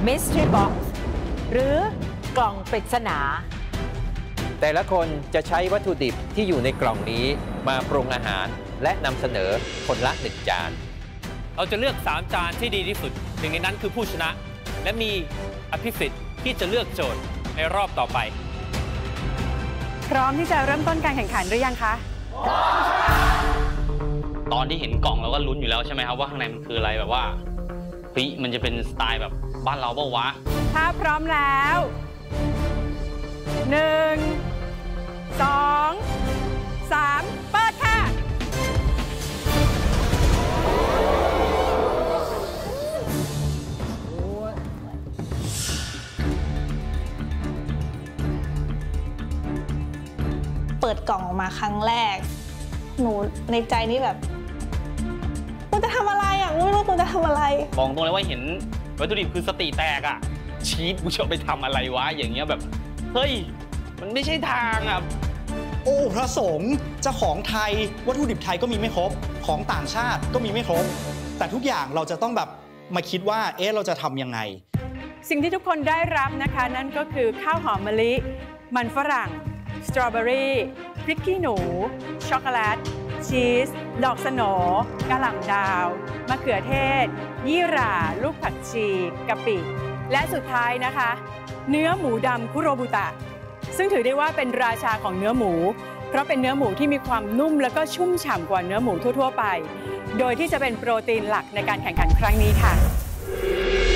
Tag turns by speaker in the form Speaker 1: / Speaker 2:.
Speaker 1: Mystery Box หรือกล่องปริศนา
Speaker 2: แต่ละคนจะใช้วัตถุดิบที่อยู่ในกล่องนี้มาปรุงอาหารและนำเสนอคนละ1 จาน
Speaker 3: เราจะเลือก3 จานที่ดีที่สุดหนึ่งในนั้นคือผู้ชนะ และมีอภิสิทธิ์ที่จะเลือกโจทย์ในรอบต่อไป
Speaker 4: พร้อมที่จะเริ่มต้นการแข่งขันหรือยังคะ
Speaker 5: ตอนที่เห็นกล่องเราก็ลุ้นอยู่แล้วใช่ไหมครับว่าข้างในมันคืออะไรแบบว่าเฮ้ยมันจะเป็นสไตล์แบบบ้านเราเปล่าวะ
Speaker 4: ถ้าพร้อมแล้ว1 2 3เปิดค่ะ
Speaker 6: เปิดกล่องออกมาครั้งแรกหนูในใจนี่แบบกูจะทำอะไรอ่ะไม่รู้กูจะทำอะไร
Speaker 5: บอกตรงเลยว่าเห็นวัตถุดิบคือสติแตกอ่ะชีสกูจะไปทำอะไรวะอย่างเงี้ยแบบเฮ้ยมันไม่ใช่ทางอ่ะ
Speaker 7: โอ้พระสงฆ์จะของไทยวัตถุดิบไทยก็มีไม่ครบของต่างชาติก็มีไม่ครบแต่ทุกอย่างเราจะต้องแบบมาคิดว่าเราจะทำยังไง
Speaker 4: สิ่งที่ทุกคนได้รับนะคะนั่นก็คือข้าวหอมมะลิมันฝรั่งสตรอเบอรี่พริกขี้หนูช็อกโกแลตชีสดอกสโหน่กะหล่ำดาวมะเขือเทศยี่หร่าลูกผักชีกะปิและสุดท้ายนะคะเนื้อหมูดำคุโรบุตะซึ่งถือได้ว่าเป็นราชาของเนื้อหมูเพราะเป็นเนื้อหมูที่มีความนุ่มแล้วก็ชุ่มฉ่ำกว่าเนื้อหมูทั่วๆไปโดยที่จะเป็นโปรตีนหลักในการแข่งขันครั้งนี้ค่ะ